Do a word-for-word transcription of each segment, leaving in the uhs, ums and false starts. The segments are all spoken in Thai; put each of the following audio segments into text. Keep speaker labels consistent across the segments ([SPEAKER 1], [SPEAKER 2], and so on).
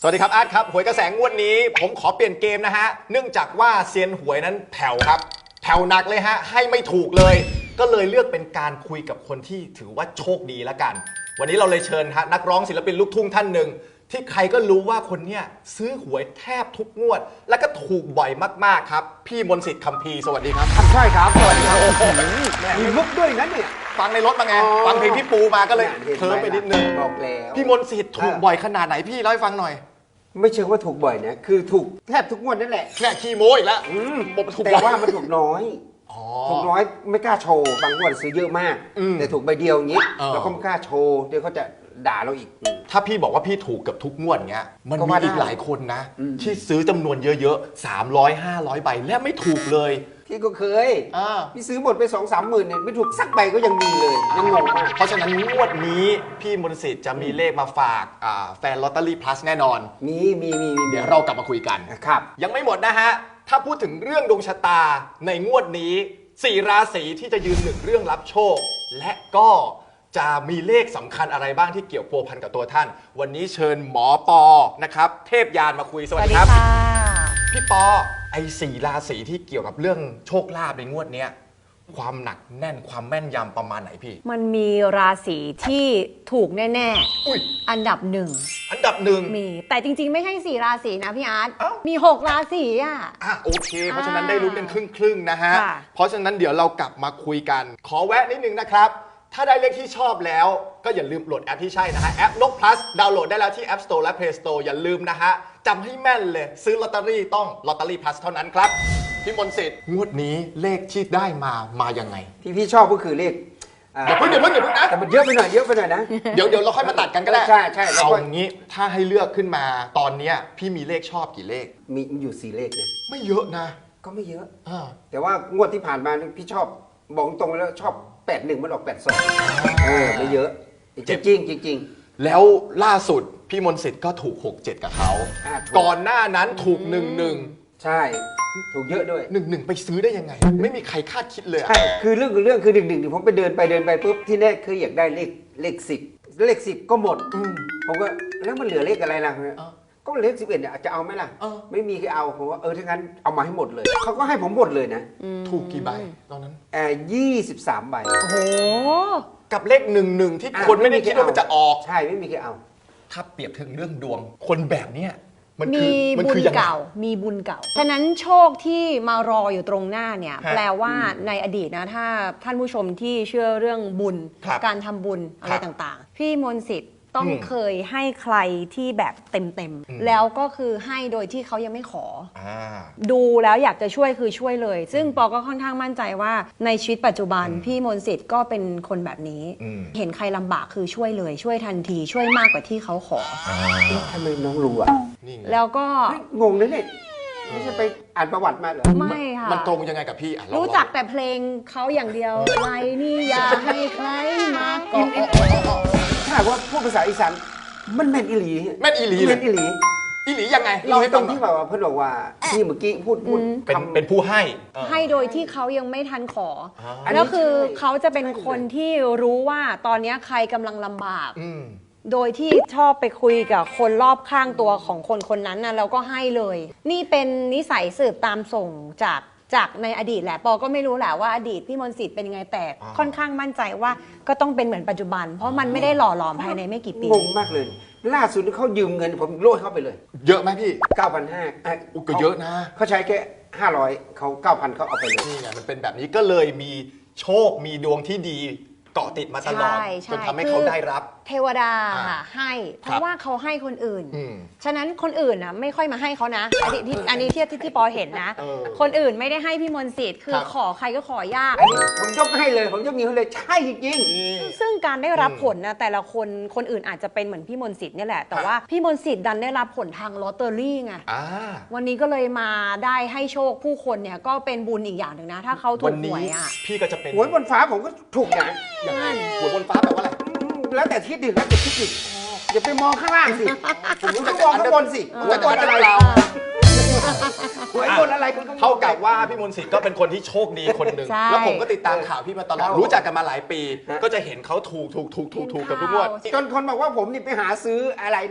[SPEAKER 1] สวัสดีครับอาร์ตครับหวยกระแสงวดนี้ผมขอเปลี่ยนเกมนะฮะเนื่องจากว่าเซียนหวยนั้นแผ่วครับแผ่วหนักเลยฮะให้ไม่ถูกเลยก็เลยเลือกเป็นการคุยกับคนที่ถือว่าโชคดีละกันวันนี้เราเลยเชิญฮะนักร้องศิลปินลูกทุ่งท่านหนึ่งที่ใครก็รู้ว่าคนเนี้ยซื้อหวยแทบทุกงวดและก็ถูกบ่อยมากๆครับพี่มนต์สิทธิ์คัมภีร์สวัสดีครับ
[SPEAKER 2] ใช่ครับสวัสดีครับมีมุกด้วยนั้นเนี่ย
[SPEAKER 1] ฟังในรถมาไงฟังเพลงพี่ปูมาก็เลยเคลิ้มไปนิดนึง
[SPEAKER 2] บอกแล้ว
[SPEAKER 1] พี่มนต์สิทธิ์ถูกบ่อยขนาดไหนพี่เล่าให้ฟังหน่อย
[SPEAKER 2] ไม่เชิงว่าถูกบ่อยนะคือถูกแทบทุกงวดนั่นแหละ
[SPEAKER 1] แค่ขี้โม้อีกแล้ว
[SPEAKER 2] แต่ว่ามันถูกน้อยถูกน้อยไม่กล้าโชว์บางงวดซื้อเยอะมากแต่ถูกใบเดียวอย่างนี้เราก็ไม่กล้าโชว์เดี๋ยวเขาจะด่าเราอีก
[SPEAKER 1] ถ้าพี่บอกว่าพี่ถูกกับทุกงวดเงี้ยมันมีอีกหลายคนนะที่ซื้อจำนวนเยอะๆสามร้อยห้าร้อยใบและไม่ถูกเลย
[SPEAKER 2] พี่ก็เคยพี่ซื้อหมดไปสองสามหมื่นเนี่ยไม่ถูกสักใบก็ยังมีเลยยังงงมาก
[SPEAKER 1] เพราะฉะนั้นงวดนี้พี่มนต์สิทธิ์จะมีเลขมาฝากแฟนลอตเตอรี่พลัสแน่นอน
[SPEAKER 2] มีมีมี
[SPEAKER 1] เดี๋ยวเรากลับมาคุยกัน
[SPEAKER 2] ครับ
[SPEAKER 1] ยังไม่หมดนะฮะถ้าพูดถึงเรื่องดวงชะตาในงวดนี้สี่ราศีที่จะยืนหนึ่งเรื่องรับโชคและก็จะมีเลขสำคัญอะไรบ้างที่เกี่ยวพัวพันกับตัวท่านวันนี้เชิญหมอปอนะครับเทพยานมาคุยสวัสดีครับพี่ปอไอ้สี่ราศีที่เกี่ยวกับเรื่องโชคลาภในงวดเนี้ยความหนักแน่นความแม่นยำประมาณไหนพี่
[SPEAKER 3] มันมีราศีที่ถูกแน่ๆอันดับหนึ่ง
[SPEAKER 1] อันดับหนึ่ง
[SPEAKER 3] มีแต่จริงๆไม่ใช่สี่ราศีนะพี่อาร์ตมีหกราศีอ่ะ
[SPEAKER 1] อ่ะโอเคเพราะฉะนั้นได้รู้กันครึ่งๆนะฮะเพราะฉะนั้นเดี๋ยวเรากลับมาคุยกันขอแวะนิดนึงนะครับถ้าได้เลขที่ชอบแล้วก็อย่าลืมโหลดแอปที่ใช่นะฮะแอปนก plus ดาวน์โหลดได้แล้วที่ App Store และ Play Store อย่าลืมนะฮะจำให้แม่นเลยซื้อลอตเตอรี่ต้องลอตเตอรี่ plus เท่านั้นครับพี่มนต์สิทธิ์งวดนี้เลขที่ได้มามายังไง
[SPEAKER 2] ที่พี่ชอบก็คือเลข
[SPEAKER 1] เดี๋ยวเพิ่งเดี๋ยวเพิ่งเดี๋ยวเพิ่งนะ
[SPEAKER 2] แต่มันเยอะไปหน่อยเยอะไปหน่อยนะ
[SPEAKER 1] เดี๋ยวเดี๋ยวเราค่อยมาตัดกันก็ได้
[SPEAKER 2] ใช่ใช่
[SPEAKER 1] เอาอย่างนี้ถ้าให้เลือกขึ้นมาตอนนี้พี่มีเลขชอบกี่เลข
[SPEAKER 2] มีอยู่สี่เลขเลย
[SPEAKER 1] ไม่เยอะนะ
[SPEAKER 2] ก็ไม่เยอะแต่ว่างวดที่ผ่านมาพี่ชอบบอกตรงแล้วชอบแปดหนึ่งมันออกแปดสองเออไม่เยอะจริงจริงจริง
[SPEAKER 1] แล้วล่าสุดพี่มนต์สิทธิ์ก็ถูกหกเจ็ดกับเขาก่อนหน้านั้นถูกหนึ่งหนึ่ง
[SPEAKER 2] ใช่ถูกเยอะด้วย
[SPEAKER 1] หนึ่งหนึ่งไปซื้อได้ยังไงไม่มีใครคาดคิดเลย
[SPEAKER 2] ใช่คือเรื่องคือเรื่องคือหนึ่งหนึ่งผมไปเดินไปเดินไปปุ๊บที่แรกคืออยากได้เลขเลขสิบเลขสิบก็หมดผมก็แล้วมันเหลือเลขอะไรล่ะก็เลขสิบเอ็ดเนี่ยจะเอาไหมล่ะไม่มีใครเอาผมว่าเออถ้างั้นเอามาให้หมดเลยเขาก็ให้ผมหมดเลยนะ
[SPEAKER 1] ถูกกี่ใบตอนนั้น
[SPEAKER 2] แอร์ยี่สิบสามใบ
[SPEAKER 3] โอ้โห
[SPEAKER 1] กับเลขหนึ่งหนึ่งที่คนไม่ได้คิดว่ามันจะออก
[SPEAKER 2] ใช่ไม่มีใครเอา
[SPEAKER 1] ถ้าเปรียบถึงเรื่องดวงคนแบบเนี้ย
[SPEAKER 3] มีบุญเก่ามีบุญเก่าฉะนั้นโชคที่มารออยู่ตรงหน้าเนี่ยแปลว่าในอดีตนะถ้าท่านผู้ชมที่เชื่อเรื่องบุญการทำบุญอะไรต่างๆพี่มนต์สิทธิ์ต้องเคยให้ใครที่แบบเต็มๆแล้วก็คือให้โดยที่เขายังไม่ขอดูแล้วอยากจะช่วยคือช่วยเลยซึ่งปอก็ค่อนข้างมั่นใจว่าในชีวิตปัจจุบันพี่มนต์สิทธิ์ก็เป็นคนแบบนี้เห็นใครลำบากคือช่วยเลยช่วยทันทีช่วยมากกว่าที่เขาขอ
[SPEAKER 2] ทำไมน้องรู้อ่ะ
[SPEAKER 3] แล้วก็
[SPEAKER 2] งงนะเนี่ยไม่ใช่ไปอ่านประวัติมาเหรอ
[SPEAKER 3] ไม่ค่ะ
[SPEAKER 1] มันตรงยังไงกับพี่
[SPEAKER 3] รู้จักแต่เพลงเขาอย่างเดียวใครนี่อย่าให้ใครมาก่อน
[SPEAKER 2] ถ้าว่าพูดภาษาอีสานมันแม่นอีหลี
[SPEAKER 1] แม่นอีหลี
[SPEAKER 2] แม่นอีหลี
[SPEAKER 1] อีหลียังไง
[SPEAKER 2] เราให้ตรงที่แบบว่าเพื่อนบอกว่าที่เมื่อกี้พูดพูด
[SPEAKER 1] เป็นเป็นผู้ให้
[SPEAKER 3] ให้โดยที่เขายังไม่ทันขอแล้วคือเขาจะเป็นคนที่รู้ว่าตอนนี้ใครกำลังลำบากโดยที่ชอบไปคุยกับคนรอบข้างตัวของคนคนนั้นนะแล้วก็ให้เลยนี่เป็นนิสัยสืบตามส่งจากจากในอดีตแหละปอก็ไม่รู้แหละว่าอดีตพี่มนต์สิทธิ์เป็นยังไงแต่ค่อนข้างมั่นใจว่าก็ต้องเป็นเหมือนปัจจุบันเพราะมันไม่ได้หล่อหลอมภายในไม่กี่ปี
[SPEAKER 2] งงมากเลยล่าสุดเขายืมเงินผมโลดเข้าไปเลย
[SPEAKER 1] เยอะไหมพี่
[SPEAKER 2] เก้าพันห้าร้อย
[SPEAKER 1] อุกก็เยอะนะ
[SPEAKER 2] เขาใช้แค่ห้าร้อยเขา เก้าพัน เขาเอาไปเลย
[SPEAKER 1] นี่ไงมันเป็นแบบนี้ก็เลยมีโชคมีดวงที่ดีเกาะติดมาตลอดจนทำให้เขาได้รับ
[SPEAKER 3] เทวดาค่ะให้เพราะว่าเขาให้คนอื่นฉะนั้นคนอื่นนะไม่ค่อยมาให้เขานะอันนี้อันนี้ที่ที่ปอเห็นนะคนอื่นไม่ได้ให้พี่มนต์สิทธิ์คือขอใครก็ขอยาก
[SPEAKER 2] ผมยกให้เลยผมยกนิ้วให้เลยใช่จริง
[SPEAKER 3] ซึ่งการได้รับผลนะแต่ละคนคนอื่นอาจจะเป็นเหมือนพี่มนต์สิทธิ์นี่แหละแต่ว่าพี่มนต์สิทธิ์ดันได้รับผลทางลอตเตอรี่ไงวันนี้ก็เลยมาได้ให้โชคผู้คนเนี่ยก็เป็นบุญอีกอย่างหนึ่งนะถ้าเขาถูกหวยอ่ะ
[SPEAKER 1] พี่ก็จะเป็น
[SPEAKER 2] หวยบนฟ้าผมก็ถูกนะ
[SPEAKER 1] อย่างนั้นหวยบนฟ้าแปลว่าอะไร
[SPEAKER 2] แล้วแต่ทิศดิแล้วแต่ทิศดิอย่าไปมองข้างล่างสิผมต้องมองข้างบนสิ
[SPEAKER 1] ผมจะบนอะไรเรา
[SPEAKER 2] หวยบนอะไรคุณ
[SPEAKER 1] เท่ากับว่าพี่มนต์สิทธิ์ก็เป็นคนที่โชคดีคนหนึ่งแล้วผมก็ติดตามข่าวพี่มาตลอดรู้จักกันมาหลายปีก็จะเห็นเขาถูกถูกถูกถูกถูกกับทุกงวด
[SPEAKER 2] จนคนบอกว่าผมนี่ไปหาซื้ออะไรนะ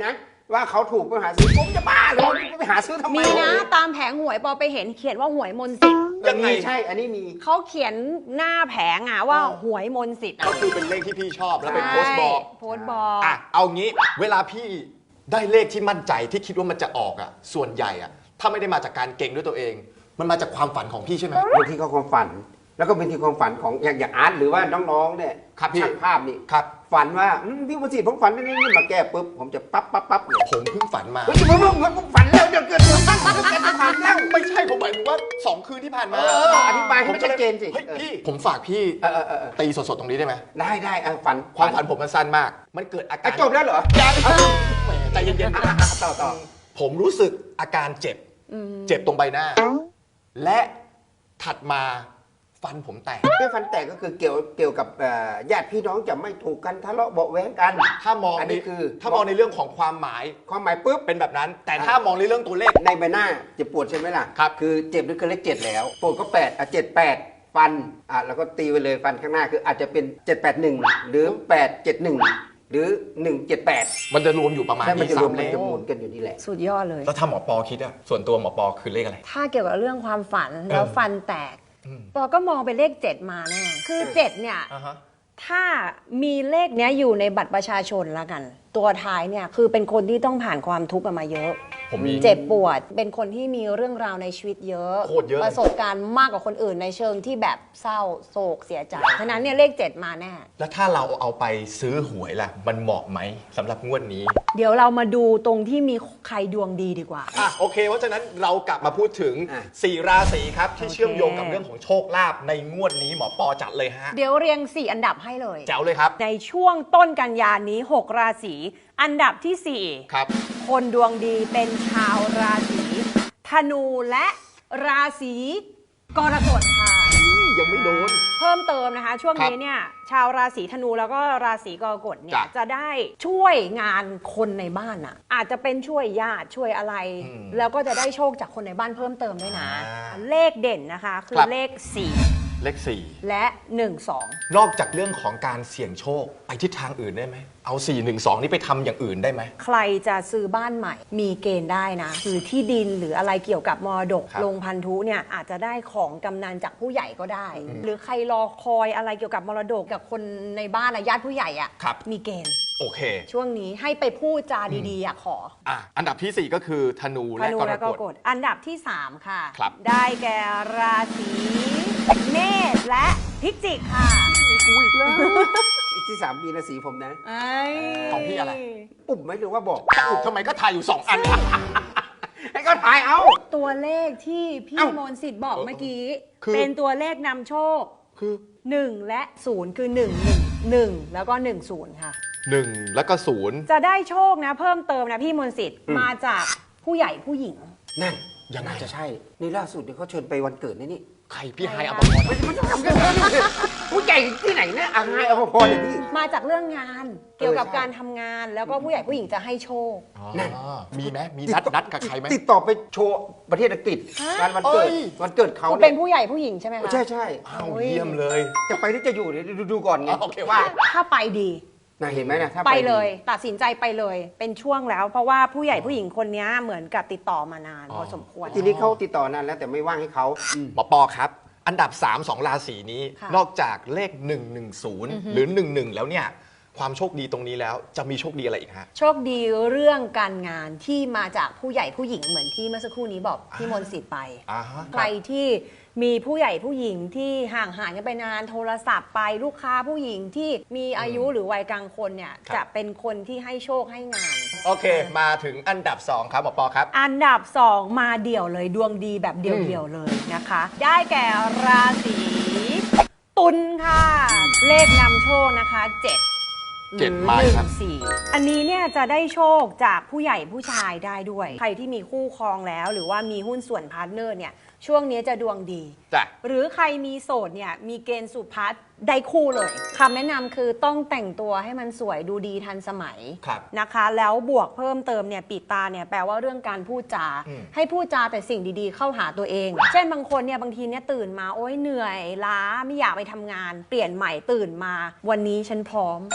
[SPEAKER 2] ว่าเขาถูกไปหาซื้อผมจะบ้าเลยไปหาซื้อทำไม
[SPEAKER 3] มีนะตามแผงหวยปอไปเห็นเขียนว่าหวยมนต์สิทธิ์
[SPEAKER 1] ยังไง
[SPEAKER 2] มีใช่อันนี้มี
[SPEAKER 3] เขาเขียนหน้าแผงอะว่าหวยมนต์สิทธิ์อะ
[SPEAKER 1] ก็คือเป็นเลขที่พี่ชอบแล้วเป็นโพสต์บอก
[SPEAKER 3] ใช่โพสต์บอก
[SPEAKER 1] อ่ะเอางี้เวลาพี่ได้เลขที่มั่นใจที่คิดว่ามันจะออกอ่ะส่วนใหญ่อ่ะถ้าไม่ได้มาจากการเก่งด้วยตัวเอง มันมาจากความฝันของพี่ใช่ไหม
[SPEAKER 2] บางทีก็ความฝัน แล้วก็เป็นที่ความฝันของอย่างอย่างอาร์ตหรือว่าน้องๆเนี่ย
[SPEAKER 1] ครับพี่
[SPEAKER 2] ช่างภาพนี่
[SPEAKER 1] ครับ
[SPEAKER 2] ฝันว่าอืมพี่ประสิทธิ์ผมฝันนี่นี่มาแก้ปุ๊บผมจะปั๊บปั๊บปั๊บเลย
[SPEAKER 1] ผมเพิ่งฝันมา
[SPEAKER 2] เฮ้ยผมผมผมฝันแล้วเดี๋ยวเกิดผมตั้งผมจะฝันแล้ว
[SPEAKER 1] ไม่ใช่ผมหมายถึงว่าสองคืนที่ผ่านมา
[SPEAKER 2] เอออธิบายให้มันชัดเจนสิ
[SPEAKER 1] เฮ้ยพี่ผมฝากพี่
[SPEAKER 2] เออเออเออเออ
[SPEAKER 1] ตีสดๆตรงนี้ได้ไหม
[SPEAKER 2] ได้ได้อ่ะฝัน
[SPEAKER 1] ความฝันผมมันสั้นมาก มันเกิดอา
[SPEAKER 2] อ่ะ
[SPEAKER 1] การ
[SPEAKER 2] จบแล้วเหรอ
[SPEAKER 1] ยังแหมใจเย็นๆ
[SPEAKER 2] อ่ะ
[SPEAKER 1] นะ
[SPEAKER 2] อ่ะต่อต่อ
[SPEAKER 1] ผมรู้สึกอาการเจ็บ เจ็บตรงใบหน้า และถัดมาฟันผมแตก
[SPEAKER 2] เรื่องฟันแตกก็คือเกี่ยวเกี่ยวกับเอ่อญาติพี่น้องจะไม่ถูกกันทะเลาะเบาะแว้งกัน
[SPEAKER 1] ถ้ามอง
[SPEAKER 2] อัน
[SPEAKER 1] ใน
[SPEAKER 2] นี้คือ
[SPEAKER 1] ถ้ามองในเรื่องของความหมาย
[SPEAKER 2] ความหมายปุ๊บ
[SPEAKER 1] เป็นแบบนั้น แต่ถ้ามองในเรื่องตัวเลข
[SPEAKER 2] ในใบหน้าเจ็บปวดใช่ไหมล่ะ
[SPEAKER 1] ครับ
[SPEAKER 2] คือเจ็บนี่คือเลขเจ็ดแล้วปวดก็แปดอ่ะเจ็ดแปดฟันอ่ะแล้วก็ตีไปเลยฟันข้างหน้าคืออาจจะเป็นเจ็ดแปดหนึ่งหรือแปดเจ็ดหนึ่งหรือหนึ่งเจ็ดแปด
[SPEAKER 1] มันจะรวมอยู่ประมาณ
[SPEAKER 2] ใช่มัน
[SPEAKER 1] นี้
[SPEAKER 2] จะร
[SPEAKER 1] สาว
[SPEAKER 2] ม
[SPEAKER 1] มเล
[SPEAKER 2] มัน
[SPEAKER 1] ข
[SPEAKER 2] จะหมุนกันอยู่นี่แหละ
[SPEAKER 3] สุดยอดเลย
[SPEAKER 1] แล้วถ้าหมอปอคิดอะส่วนตัวหมอปอคือเลขอะไร
[SPEAKER 3] ถ้าเกี่ยวกับเรื่องความฝันแล้ว
[SPEAKER 1] เออ
[SPEAKER 3] ฟันแตก
[SPEAKER 1] อืม
[SPEAKER 3] ปอก็มองเป็นเลขเจ็ดมาแน่คือเจ็ดเนี่ย
[SPEAKER 1] อ่าฮะ
[SPEAKER 3] ถ้ามีเลขเนี้ยอยู่ในบัตรประชาชนแล้วกัน ตัวท้ายเนี่ยคือเป็นคนที่ต้องผ่านความทุกข์กันมาเยอะ
[SPEAKER 1] ผมมี
[SPEAKER 3] เจ็บปวดเป็นคนที่มีเรื่องราวในชีวิตเยอะ
[SPEAKER 1] โคตรเยอะเลย
[SPEAKER 3] ประสบการณ์มากกว่าคนอื่นในเชิงที่แบบเศร้าโศกเสียใจฉะนั้นเนี่ยเลขเจ็ดมาแน่
[SPEAKER 1] แล้วถ้าเราเอาไปซื้อหวยล่ะ มันเหมาะไหมสำหรับงวดนี้
[SPEAKER 3] เดี๋ยวเรามาดูตรงที่มีใครดวงดีดีกว่า
[SPEAKER 1] อ่ะโอเคเพราะฉะนั้นเรากลับมาพูดถึง
[SPEAKER 2] อ่ะ
[SPEAKER 1] สี่ราศีครับ ที่
[SPEAKER 3] โอเค
[SPEAKER 1] เชื่อมโยงกับเรื่องของโชคลาภในงวดนี้หมอปอจัดเลยฮะ
[SPEAKER 3] เดี๋ยวเรียงสี่อันดับให้เลย
[SPEAKER 1] แจ๋วเลยครับ
[SPEAKER 3] ในช่วงต้นกันยานี้หกราศีอันดับที่สี่
[SPEAKER 1] ครับ
[SPEAKER 3] คนดวงดีเป็นชาวราศีธนูและราศีกรกฎค่ะ
[SPEAKER 1] ยังไม่โดน
[SPEAKER 3] เพิ่มเติมนะคะ ช่วง
[SPEAKER 1] ครับ
[SPEAKER 3] นี้เนี่ยชาวราศีธนูแล้วก็ราศีกรกฎเนี่ย
[SPEAKER 1] จ้ะ
[SPEAKER 3] จะได้ช่วยงานคนในบ้านอ่ะอาจจะเป็นช่วยญาติช่วยอะไร
[SPEAKER 1] อืม
[SPEAKER 3] แล้วก็จะได้โชคจากคนในบ้านเพิ่มเติมด้วยนะ
[SPEAKER 1] อ่า
[SPEAKER 3] เลขเด่นนะคะ คื
[SPEAKER 1] ครั
[SPEAKER 3] อบ เลขสี่
[SPEAKER 1] เลขสี่
[SPEAKER 3] และหนึ่งสอง
[SPEAKER 1] นอกจากเรื่องของการเสี่ยงโชคไปทิศทางอื่นได้ไหม เอาสี่ หนึ่ง สองนี่ไปทำอย่างอื่นได้ไหม
[SPEAKER 3] ใครจะซื้อบ้านใหม่ มีเกณฑ์ได้นะคือที่ดินหรืออะไรเกี่ยวกับมรดก
[SPEAKER 1] ครับ
[SPEAKER 3] ลงพันธุเนี่ยอาจจะได้ของกำนันจากผู้ใหญ่ก็ได้ หรือใครรอคอยอะไรเกี่ยวกับมรดกกับคนในบ้านอะญาติผู้ใหญ่อะ
[SPEAKER 1] ครับ
[SPEAKER 3] มีเกณฑ์
[SPEAKER 1] โอเค
[SPEAKER 3] ช่วงนี้ให้ไปพูดจาดีๆอะขอ
[SPEAKER 1] อ่ะอันดับที่สี่ก็คือธนู
[SPEAKER 3] ธ
[SPEAKER 1] และ
[SPEAKER 3] นู
[SPEAKER 1] กร
[SPEAKER 3] และก
[SPEAKER 1] ก
[SPEAKER 3] ร
[SPEAKER 1] ฎ
[SPEAKER 3] กฎอันดับที่ สาม ค่ะ
[SPEAKER 1] ครับ
[SPEAKER 3] ได้แก่ราศีเมษและพิจิกค่ะมีกูอีกแล้ว
[SPEAKER 2] อีกที่สามมีราศีผมนะ
[SPEAKER 1] ของพี่อะไร
[SPEAKER 2] ปุ่มไหมหรือว่าบอก
[SPEAKER 1] อุ๊ยทำไมก็ทายอยู่สองอัน
[SPEAKER 2] ให้ก็ถ่ายเอา
[SPEAKER 3] ตัวเลขที่พี่
[SPEAKER 2] เอ้าม
[SPEAKER 3] มนต์สิทธิ์บอกเมื่อกี้
[SPEAKER 1] คือ
[SPEAKER 3] เป็นตัวเลขนำโชค
[SPEAKER 1] คือ
[SPEAKER 3] หนึ่งและศูนย์คือหนึ่ง หนึ่ง หนึ่งแล้วก็หนึ่งศูนย์ค่ะ
[SPEAKER 1] หนึ่งแล้วก็ศูนย์
[SPEAKER 3] จะได้โชคนะเพิ่มเติมนะพี่มนต์สิทธิ์
[SPEAKER 2] อืม
[SPEAKER 3] มาจากผู้ใหญ่ผู้หญิง
[SPEAKER 2] นั่น
[SPEAKER 1] ยังไง
[SPEAKER 2] น่าจะใช่ นี่ล่าสุดเนี่ยเขาเชิญไปวันเกิดนี่นี่
[SPEAKER 1] ใครพี่ไฮ
[SPEAKER 3] ใคร
[SPEAKER 1] อ
[SPEAKER 3] อะ
[SPEAKER 1] ภพร
[SPEAKER 2] ไม่ใช่ไม่ใช่ทำกันเลยผู้ใหญ่ที่ไหนเนี่ยอาไงเอาพอเลยพี่
[SPEAKER 3] มาจากเรื่องงานเกี่ยวกับ
[SPEAKER 2] เออใช่
[SPEAKER 3] การทำงาน แล้วก็ผู้ใหญ่ผู้หญิงจะให้โชค
[SPEAKER 1] อ๋อ
[SPEAKER 2] นั่น
[SPEAKER 1] มีไหมมีนัดนัดกับใครไหม
[SPEAKER 2] ติดต่อไปโชว์ประเทศอังกฤษ
[SPEAKER 3] ฮะ
[SPEAKER 2] งานวันเกิด
[SPEAKER 1] เอ้ย
[SPEAKER 2] วันเกิดเขา
[SPEAKER 3] คุณ
[SPEAKER 2] เนี่
[SPEAKER 3] เป็
[SPEAKER 2] ย
[SPEAKER 3] นผู้ใหญ่ผู้หญิงใช่ไหมคะ
[SPEAKER 2] ใช่ใช่
[SPEAKER 1] อ้าวเยี่ยมเลย
[SPEAKER 2] จะไปที่จะอยู่เนี่ยดูดูก่อนไง
[SPEAKER 1] อ๋อโอเคโอเค
[SPEAKER 2] ว่า
[SPEAKER 3] ถ้าไปดี
[SPEAKER 2] น่าเห็นไหมนะถ้า
[SPEAKER 3] ไป
[SPEAKER 2] ดี
[SPEAKER 3] เลยตัดสินใจไปเลยเป็นช่วงแล้ว เพราะว่าผู้ใหญ่ผู้หญิงคนนี้เหมือนกับติดต่อมานาน
[SPEAKER 1] อ๋อ
[SPEAKER 3] พอสมควร
[SPEAKER 2] ทีนี้เขาติดต่อนานแล้วแต่ไม่ว่างให้เขาอืม
[SPEAKER 1] หมอปอครับ อันดับสามสองราศีนี้
[SPEAKER 3] ค่ะ
[SPEAKER 1] นอกจากเลขหนึ่ง หนึ่ง ศูนย์หรือหนึ่ง หนึ่งแล้วเนี่ย ความโชคดีตรงนี้แล้วจะมีโชคดีอะไรอีกฮะ
[SPEAKER 3] โชคดีเรื่องการงานที่มาจากผู้ใหญ่ผู้หญิงเหมือนที่เมื่อสักครู่นี้บอกพี่มนต์สิทธิ์ไป
[SPEAKER 1] อ่าฮะ
[SPEAKER 3] ใครที่มีผู้ใหญ่ผู้หญิงที่ห่างหายกันไปนานโทรศัพท์ไปลูกค้าผู้หญิงที่มีอายุหรือวัยกลางคนเนี่ย
[SPEAKER 1] ครับ
[SPEAKER 3] จะเป็นคนที่ให้โชคให้งาน
[SPEAKER 1] โอเค มาถึงอันดับสองครับหมอปอครับ
[SPEAKER 3] อันดับสองมาเดี่ยวเลยดวงดีแบบเดี่ยวๆเลยนะคะ ได้แก่ราศีตุลค่ะ เลขนำโชคนะคะเจ็ด
[SPEAKER 1] เจ็ด
[SPEAKER 3] หรือ
[SPEAKER 1] มา
[SPEAKER 3] หนึ่
[SPEAKER 1] ครั
[SPEAKER 3] ง
[SPEAKER 1] บ
[SPEAKER 3] สี่อันนี้เนี่ยจะได้โชคจากผู้ใหญ่ผู้ชายได้ด้วย ใครที่มีคู่ครองแล้ว หรือว่ามีหุ้นส่วนพาร์ทเนอร์เนี่ยช่วงนี้จะดวงดี
[SPEAKER 1] จ้ะ
[SPEAKER 3] หรือใครมีโสดเนี่ยมีเกณฑ์สุพัฒน์ได้คู่เลยคำแนะนำคือต้องแต่งตัวให้มันสวยดูดีทันสมัย
[SPEAKER 1] ครับ
[SPEAKER 3] นะคะ แล้วบวกเพิ่มเติมเนี่ยปีตาเนี่ยแปลว่าเรื่องการพูดจา
[SPEAKER 1] อืม
[SPEAKER 3] ให้พูดจาแต่สิ่งดีๆ เข้าหาตัวเอง เช่นบางคนเนี่ยบางทีเนี่ยตื่นมาโอ๊ยเหนื่อยล้าไม่อยากไปทำงาน เปลี่ยนใหม่ตื่นมา วันนี้ฉันพร้อม
[SPEAKER 1] อืม
[SPEAKER 3] วัน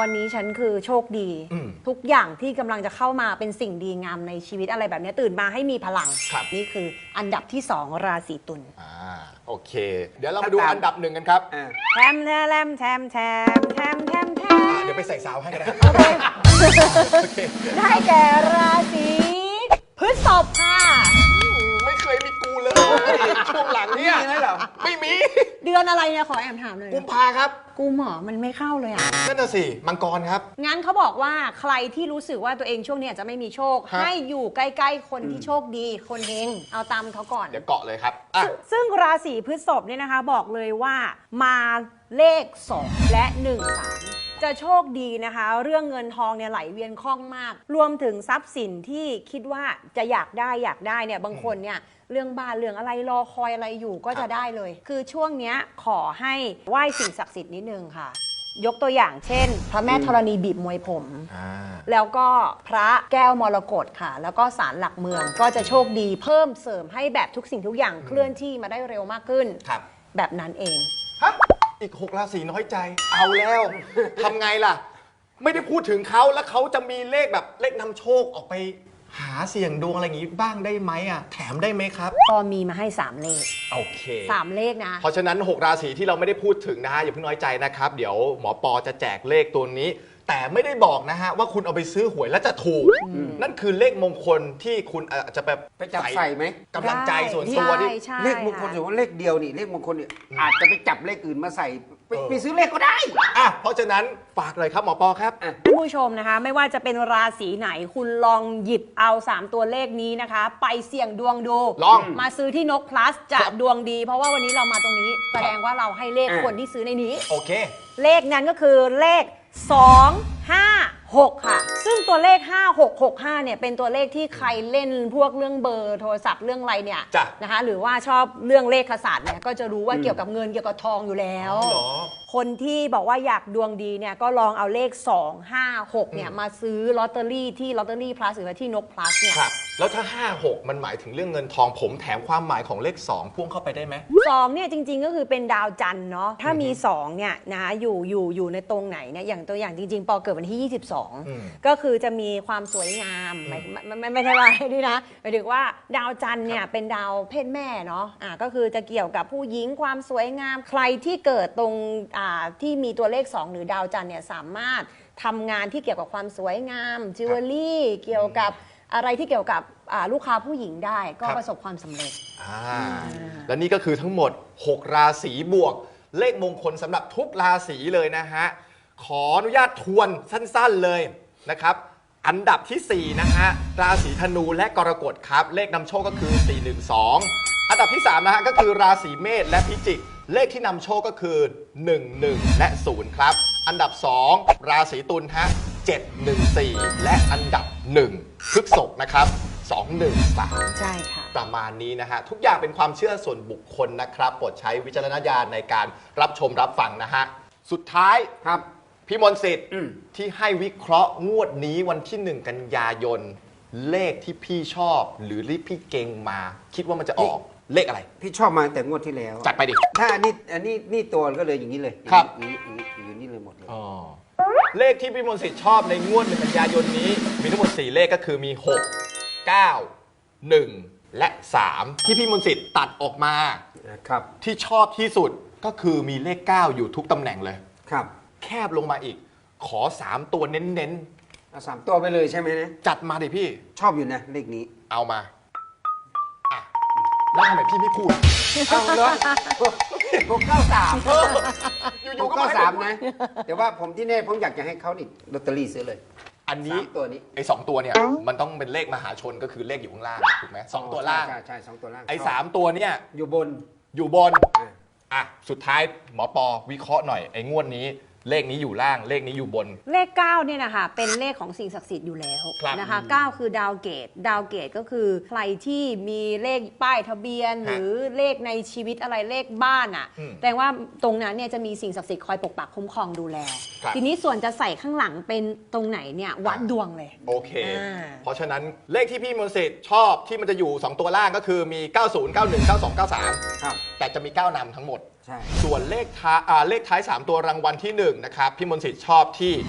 [SPEAKER 3] วันนี้ฉันคือโชคดี
[SPEAKER 1] อืม
[SPEAKER 3] ทุกอย่างที่กำลังจะเข้ามาเป็นสิ่งดีงามในชีวิตอะไรแบบนี้ตื่นมาให้มีพลัง
[SPEAKER 1] ครับ
[SPEAKER 3] นี่คืออันดับที่สองราศีตุล
[SPEAKER 1] อ่าโอเค เดี๋ยวเรามาดูอันดับหนึ่งกันครับ
[SPEAKER 2] อ่า
[SPEAKER 3] แทมแทมแทมแทมแทมแทมแทม
[SPEAKER 1] อ่าเดี๋ยวไปใส่ซาวให้ก็ได้
[SPEAKER 3] โอเค
[SPEAKER 1] โอเค
[SPEAKER 3] ได้แก่ราศีพฤษภค่ะ
[SPEAKER 1] ไม่เคยมีกูเลย ช่วงหลังเนี่ย
[SPEAKER 2] มีไหมเหรอ
[SPEAKER 1] ไม่มี
[SPEAKER 3] เดือนอะไรเนี่ยขอแอมถามหน่อย
[SPEAKER 1] กุมภาครับ
[SPEAKER 3] กูหมอมันไม่เข้าเลยอ่ะ
[SPEAKER 1] นั่นน่ะสิมังกรครับ
[SPEAKER 3] งั้นเขาบอกว่าใครที่รู้สึกว่าตัวเองช่วงนี้อาจจะไม่มีโชค
[SPEAKER 1] ฮะ
[SPEAKER 3] ให้อยู่ใกล้ๆคนที่โชคดี คนเฮงเอาตามเขาก่อน
[SPEAKER 1] เดี๋ยวเกาะเลยครับอ่ะ
[SPEAKER 3] ซึ่งซึ่งราศีพฤษภเนี่ยนะคะบอกเลยว่ามาเลขสองและหนึ่ง สามจะโชคดีนะคะ เรื่องเงินทองเนี่ยไหลเวียนคล่องมาก รวมถึงทรัพย์สินที่คิดว่าจะอยากได้อยากได้เนี่ยบางคนเนี่ยเรื่องบ้านเรื่องอะไรรอคอยอะไรอยู่ก็จะได้เลย คือช่วงเนี้ยขอให้ไหว้สิ่งศักดิ์สิทธิ์นิดนึงค่ะ ยกตัวอย่างเช่น พระแม่ธรณีบีบมวยผม
[SPEAKER 1] อ่า
[SPEAKER 3] แล้วก็พระแก้วมรกตค่ะ แล้วก็ศาลหลักเมืองก็จะโชคดีเพิ่มเสริมให้แบบทุกสิ่งทุกอย่างเคลื่อนที่มาได้เร็วมากขึ้น
[SPEAKER 1] ครับ
[SPEAKER 3] แบบนั้นเอง
[SPEAKER 1] ฮะอีกหกราศีน้อยใจ เอาแล้ว ทำไงล่ะ ไม่ได้พูดถึงเขาแล้วเขาจะมีเลขแบบเลขนำโชคออกไปหาเสี่ยงดวงอะไรอย่างงี้บ้างได้ไหมอ่ะ แถมได้ไหมครับ
[SPEAKER 3] พอมีมาให้ สาม เลข
[SPEAKER 1] โอเค
[SPEAKER 3] สาม เลขนะ
[SPEAKER 1] เพราะฉะนั้น หก ราศีที่เราไม่ได้พูดถึงนะฮะอย่าเพิ่งน้อยใจนะครับ เดี๋ยวหมอปอจะแจกเลขตัวนี้ แต่ไม่ได้บอกนะฮะว่าคุณเอาไปซื้อหวยแล้วจะถูก นั่นคือเลขมงคลที่คุณอาจจะแบบ
[SPEAKER 2] ไปจับใส่ไหม
[SPEAKER 1] กำลังใจส่วนตัวที่
[SPEAKER 3] ใช่ใช่
[SPEAKER 2] เลขมงคล
[SPEAKER 3] ะ
[SPEAKER 2] ถือว่าเลขเดียวนี่เลขมงคลเนี่ยอาจจะไปจับเลขอื่นมาใส่ไป
[SPEAKER 1] เออ
[SPEAKER 2] ไปซื้อเลขก็ได้
[SPEAKER 1] อ่ะเพราะฉะนั้นฝากเลยครับหมอปอครับ
[SPEAKER 2] อ่ะ
[SPEAKER 3] ท่านผู้ชมนะคะ ไม่ว่าจะเป็นราศีไหนคุณลองหยิบเอา สาม ตัวเลขนี้นะคะ ไปเสี่ยงดวงดู
[SPEAKER 1] ลอง
[SPEAKER 3] มาซื้อที่นก plus จะ
[SPEAKER 1] ครับ
[SPEAKER 3] ดวงดี เพราะว่าวันนี้เรามาตรงนี้ แสดงว่าเราให้เลข
[SPEAKER 2] อ่ะ
[SPEAKER 3] คนที่ซื้อในนี้
[SPEAKER 1] โอเค
[SPEAKER 3] เลขนั้นก็คือเลข สอง ห้า หก ค่ะ ซึ่งตัวเลข ห้า หก หก ห้า เนี่ยเป็นตัวเลขที่ใครเล่นพวกเรื่องเบอร์โทรศัพท์เรื่องอะไรเนี่ย
[SPEAKER 1] จ้ะ
[SPEAKER 3] นะคะ หรือว่าชอบเรื่องเลขศาสตร์เนี่ยก็จะรู้ว่าเกี่ยวกับเงินเกี่ยวกับทองอยู่แล้ว
[SPEAKER 1] อ๋อเหรอ
[SPEAKER 3] คนที่บอกว่าอยากดวงดีเนี่ยก็ลองเอาเลข สอง ห้า หก เนี่ยมาซื้อลอตเตอรี่ที่ลอตเตอรี่ plus หรือว่าที่นก plus เนี่ย
[SPEAKER 1] ครับ แล้วถ้า ห้า หก มันหมายถึงเรื่องเงินทองผมแถมความหมายของเลข สอง พ่วงเข้าไปได้ไหม
[SPEAKER 3] สองเนี่ยจริงๆก็คือเป็นดาวจันทร์เนาะถ้ามีสองเนี่ยนะคะอยู่อยู่อยู่ในตรงไหนเนี่ยอย่างตัวอย่างจริงๆ ปอเกิดวันที่ ยี่สิบสอง
[SPEAKER 1] อืม
[SPEAKER 3] ก็คือจะมีความสวยงามไม่ไม่ไม่ไม่ใช่ว่านี่นะหมายถึงว่าดาวจันทร์เนี่ยเป็นดาวเพศแม่เนาะอ่าก็คือจะเกี่ยวกับผู้หญิงความสวยงามใครที่เกิดตรงอ่าที่มีตัวเลขสองหรือดาวจันทร์เนี่ยสามารถทำงานที่เกี่ยวกับความสวยงามจิวเวลรี่เกี่ยวกับอะไรที่เกี่ยวกับอ่าลูกค้าผู้หญิงได้ก็
[SPEAKER 1] ครับ
[SPEAKER 3] ประสบความสำเร็จ
[SPEAKER 1] อ่าและนี่ก็คือทั้งหมด หก ราศีบวก เลขมงคลสำหรับทุกราศีเลยนะฮะ ขออนุญาตทวนสั้นๆเลยนะครับ อันดับที่ สี่ นะฮะ ราศีธนูและกรกฎครับ เลขนำโชคก็คือ สี่ หนึ่ง สอง อันดับที่ สาม นะฮะ ก็คือราศีเมษและพิจิก เลขที่นำโชคก็คือ หนึ่ง หนึ่ง และ ศูนย์ ครับ อันดับ สอง ราศีตุลฮะ เจ็ด หนึ่ง สี่ และอันดับ หนึ่ง พฤษภนะครับ สอง หนึ่ง สาม
[SPEAKER 3] ใช่ค่ะ
[SPEAKER 1] ประมาณนี้นะฮะ ทุกอย่างเป็นความเชื่อส่วนบุคคลนะครับโปรดใช้วิจารณญาณในการรับชมรับฟังนะฮะ สุดท้าย
[SPEAKER 2] ครับ
[SPEAKER 1] พี่มนต์สิทธิ์
[SPEAKER 2] อืม
[SPEAKER 1] ที่ให้วิเคราะห์งวดนี้วันที่หนึ่งกันยายน เลขที่พี่ชอบหรือที่พี่เก่งมา คิดว่ามันจะออกเลขอะไร
[SPEAKER 2] พี่ชอบมาแต่งวดที่แล้ว
[SPEAKER 1] จัดไปดิ
[SPEAKER 2] ถ้าอันนี้อันนี้นี่ตัวก็เลยอย่างนี้เลย
[SPEAKER 1] ครับ
[SPEAKER 2] อย่างนี้อย่างนี้อย่างนี้เลยหมดเลย
[SPEAKER 1] อ๋อเลขที่พี่มนต์สิทธิ์ชอบในงวดหนึ่งกันยายนนี้ มีทั้งหมดสี่เลขก็คือมี หก เก้า หนึ่ง และ สาม ที่พี่มนต์สิทธิ์ตัดออกมา
[SPEAKER 2] นะครับ
[SPEAKER 1] ที่ชอบที่สุดก็คือมีเลข เก้า อยู่ทุกตำแหน่งเลย
[SPEAKER 2] ครับ
[SPEAKER 1] แคบลงมาอีก ขอ สาม ตัวเน้น
[SPEAKER 2] เอาสามตัวไปเลยใช่ไหมนะ
[SPEAKER 1] ๆ จัดมาดิพี่
[SPEAKER 2] ชอบอยู่นะเลขนี้
[SPEAKER 1] เอามาอ่ะแล้วทำไมพี่ไม่พูด
[SPEAKER 2] เอาเลยหกเก้าสาม
[SPEAKER 1] เอออ
[SPEAKER 2] ห
[SPEAKER 1] ยู่
[SPEAKER 2] ก
[SPEAKER 1] ๆก็
[SPEAKER 2] เก้า
[SPEAKER 1] ให้
[SPEAKER 2] สาม
[SPEAKER 1] ผพูด
[SPEAKER 2] นะแต่ว่าผมที่แน่ผมอยากจะให้เขานี่ลอตเตอรี่ซื้อเลย
[SPEAKER 1] อันนี้
[SPEAKER 2] สามตัวนี้
[SPEAKER 1] ไอ้สองตัวเนี่ย มันต้องเป็นเลขมหาชนก็คือเลขอยู่ข้างล่างถูกไหมสองตัวล่าง
[SPEAKER 2] ใช่ใช่สองตัวล่าง
[SPEAKER 1] ไอ้สามตัวเนี่ย
[SPEAKER 2] อยู่บน
[SPEAKER 1] อยู่บน
[SPEAKER 2] อ่ะ
[SPEAKER 1] อ่ะ สุดท้ายหมอปอวิเคราะห์หน่อย ไอ้งวดนี้ เลขนี้อยู่ล่าง เลขนี้อยู่บน
[SPEAKER 3] เลขเก้าเนี่ยนะคะเป็นเลขของสิ่งศักดิ์สิทธิ์อยู่แล้ว
[SPEAKER 1] ครับ
[SPEAKER 3] นะคะเก้าคือดาวเกตดาวเกตก็คือใครที่มีเลขป้ายทะเบียน หรือเลขในชีวิตอะไรเลขบ้านอ่ะ
[SPEAKER 1] อืม
[SPEAKER 3] แต่ว่าตรงนั้นเนี่ยจะมีสิ่งศักดิ์สิทธิ์คอยปกปักคุ้มครองดูแล
[SPEAKER 1] ครับ
[SPEAKER 3] ทีนี้ส่วนจะใส่ข้างหลังเป็นตรงไหนเนี่ยวัดดวงเลย
[SPEAKER 1] โอเค
[SPEAKER 3] อ่า
[SPEAKER 1] เพราะฉะนั้นเลขที่พี่มนต์สิทธิ์ชอบที่มันจะอยู่ สอง ตัวล่างก็คือมี เก้า ศูนย์ เก้า หนึ่ง เก้า สอง เก้า สาม
[SPEAKER 2] ครับ
[SPEAKER 1] แต่จะมี เก้า นำทั้งหมด
[SPEAKER 2] ใช่
[SPEAKER 1] ส่วนเลขท้ายอ่าเลขท้าย สาม ตัวรางวัลที่หนึ่งนะครับพี่มนต์สิทธิ์ชอบที่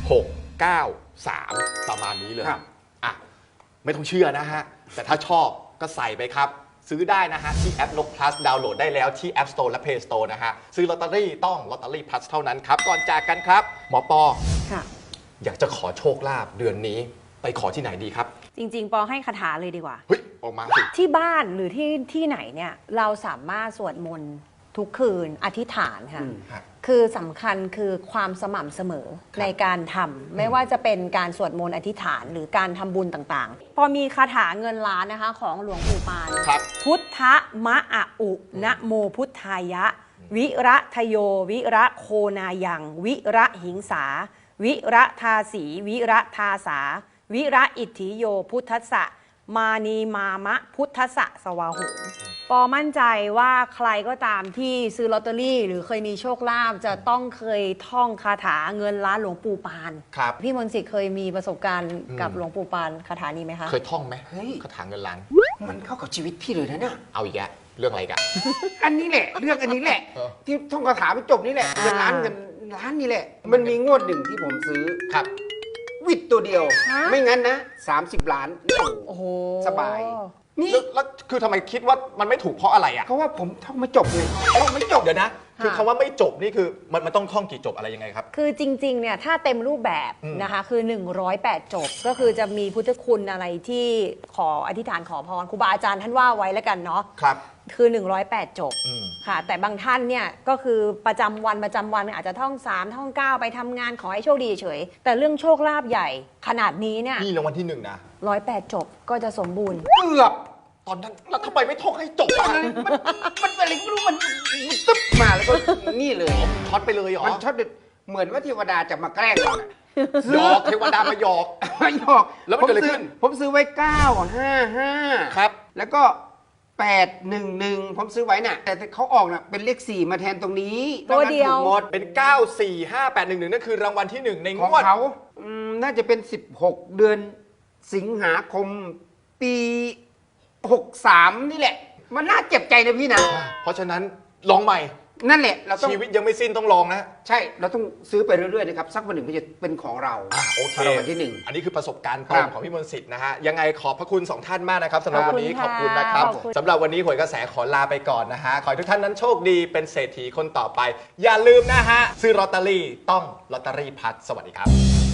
[SPEAKER 1] หก เก้า สาม ประมาณนี้เลย
[SPEAKER 2] ครับ
[SPEAKER 1] อ่ะไม่ต้องเชื่อนะฮะ แต่ถ้าชอบก็ใส่ไปครับ ซื้อได้นะฮะ ที่แอปนก plus ดาวน์โหลดได้แล้วที่ App Store และ Play Store นะฮะ ซื้อลอตเตอรี่ต้องลอตเตอรี่ plus เท่านั้นครับ ก่อนจากกันครับ หมอปอ
[SPEAKER 3] ค่ะ
[SPEAKER 1] อยากจะขอโชคลาภเดือนนี้ไปขอที่ไหนดีครับ
[SPEAKER 3] จริง ๆ ปอให้คาถาเลยดีกว่า
[SPEAKER 1] เฮ้ย ออกมาสิ
[SPEAKER 3] ที่บ้านหรือที่ที่ไหนเนี่ยเราสามารถสวดมนต์ทุกคืนอธิษฐานค่ะ
[SPEAKER 2] อืม
[SPEAKER 1] ครับ
[SPEAKER 3] คือสำคัญคือความสม่ำเสมอ
[SPEAKER 1] ครับ
[SPEAKER 3] ในการทำไม่ว่าจะเป็นการสวดมนต์อธิษฐานหรือการทำบุญต่างๆ พอมีคาถาเงินล้านนะคะของหลวงปู่ปาน
[SPEAKER 1] ครับ
[SPEAKER 3] พุทธมะอะอุนะโมพุทธายะ วิระทโย วิระโคนายัง วิระหิงสา วิระทาสี วิระทาสา วิระอิทธิโยพุทธสะมานีมามะพุทธสะสวาหุปอมั่นใจว่าใครก็ตามที่ซื้อลอตเตอรี่ หรือเคยมีโชคลาภจะต้องเคยท่องคาถาเงินล้านหลวงปู่ปาน
[SPEAKER 1] ครับ
[SPEAKER 3] พี่มนต์สิทธิ์เคยมีประสบการณ์
[SPEAKER 1] อืม
[SPEAKER 3] กับหลวงปู่ปานคาถานี้ไหมคะ
[SPEAKER 1] เคยท่องไหม
[SPEAKER 2] เฮ้ย
[SPEAKER 1] คาถาเงินล้าน
[SPEAKER 2] มันเข้ากับชีวิตพี่เลยนะเนี่ย
[SPEAKER 1] เอาอีกแล้วเรื่องอะไรกัน
[SPEAKER 2] อันนี้แหละ เรื่องอันนี้แหละ
[SPEAKER 1] เออ
[SPEAKER 2] ที่ท่องคาถาไปจบนี่แหละเงินล้านเงินล้านนี่แหละ มันมีงวดหนึ่งที่ผมซื้อ
[SPEAKER 1] ครับ
[SPEAKER 2] วิดตัวเดียว
[SPEAKER 3] ฮะ
[SPEAKER 2] ไม่งั้นนะสามสิบล้าน
[SPEAKER 3] โอ้โห
[SPEAKER 2] สบาย นี่
[SPEAKER 1] แล้วแล้วคือทำไมคิดว่ามันไม่ถูกเพราะอะไรอ่ะ
[SPEAKER 2] เพราะว่าผมท่องไม่จบไงท่องไม่จบ
[SPEAKER 1] เดี๋ยวนะ คือคำว่าไม่จบนี่คือมันมันต้องท่องกี่จบอะไรยังไงครับ
[SPEAKER 3] คือจริงๆ เนี่ยถ้าเต็มรูปแบบ
[SPEAKER 1] อืม
[SPEAKER 3] นะคะคือ หนึ่งร้อยแปด จบ ก็คือจะมีพุทธคุณอะไรที่ขออธิษฐานขอพรครูบาอาจารย์ท่านว่าไว้แล้วกันเนาะ
[SPEAKER 1] ครับ
[SPEAKER 3] คือ หนึ่งร้อยแปด จบ
[SPEAKER 1] อืม
[SPEAKER 3] ค่ะ แต่บางท่านเนี่ยก็คือประจำวันประจำวันอาจจะท่องสามท่องเก้าไปทำงานขอให้โชคดีเฉยแต่เรื่องโชคลาภใหญ่ขนาดนี้เนี่ย
[SPEAKER 1] นี่รางวัลที่หนึ่งนะ
[SPEAKER 3] ร้อยแปดจบก็จะสมบูรณ์
[SPEAKER 2] เกือบ
[SPEAKER 1] ตอนนั้นแล้วทำไมไม่ท่องให้จบอ่ะ
[SPEAKER 2] มันมันอะไรก็ไม่รู้มันมันตึ๊บมาแล้วก็นี่เลย
[SPEAKER 1] ช็อตไปเลยเหรอ
[SPEAKER 2] มันช็อตเด็ดเหมือนว่าเทวดาจะมาแกล้งเราน่ะ
[SPEAKER 1] หยอกเทวดามาหยอก
[SPEAKER 2] มาหยอก
[SPEAKER 1] แล้วมันเกิดอะไรขึ้น
[SPEAKER 2] ผมซื้อผมซื้อไว้เก้าห้าห้า
[SPEAKER 1] ครับ
[SPEAKER 2] แล้วก็แปดหนึ่งหนึ่งผมซื้อไว้น่ะ แต่เขาออกน่ะเป็นเลขสี่มาแทนตรงนี้
[SPEAKER 3] ตัวเดียว
[SPEAKER 2] นอกนั้นถูกหมด
[SPEAKER 1] เป็น เก้า สี่ ห้า แปด หนึ่ง หนึ่งนั่นคือรางวัลที่หนึ่งในง
[SPEAKER 2] ของ
[SPEAKER 1] วด
[SPEAKER 2] เขาอืมน่าจะเป็นสิบหกเดือนสิงหาคมปีหกสามนี่แหละ มันน่าเจ็บใจนะพี่นะ
[SPEAKER 1] เพราะฉะนั้นลองใหม่
[SPEAKER 2] นั่นแหละเราต้อง
[SPEAKER 1] ชีวิตยังไม่สิ้นต้องลองนะ
[SPEAKER 2] ใช่ เราต้องซื้อไปเรื่อยๆนะครับ สักวันหนึ่งมันจะเป็นของเรา
[SPEAKER 1] อ่ะโอเค
[SPEAKER 2] รางวัลที่หนึ่ง
[SPEAKER 1] อันนี้คือประสบการณ์ตร
[SPEAKER 2] ครั
[SPEAKER 1] ง
[SPEAKER 2] บ
[SPEAKER 1] ของพี่มนต์สิทธิ์นะฮะ ยังไงขอบพระคุณสองท่านมากนะครับสำหรับ
[SPEAKER 2] ครับ
[SPEAKER 1] วันนี้ข
[SPEAKER 3] ข
[SPEAKER 1] อ
[SPEAKER 3] อ
[SPEAKER 1] บบ
[SPEAKER 3] คุ
[SPEAKER 1] คุณ
[SPEAKER 3] ณ
[SPEAKER 1] นะครับ
[SPEAKER 3] ขอบคุณ
[SPEAKER 1] สำหรับวันนี้หวยกระแสขอลาไปก่อนนะฮะ ขอให้ทุกท่านนั้นโชคดีเป็นเศรษฐีคนต่อไป อย่าลืมนะฮะ ซื้อลอตเตอรี่ต้องลอตเตอรี่พัดสวัสดีครับ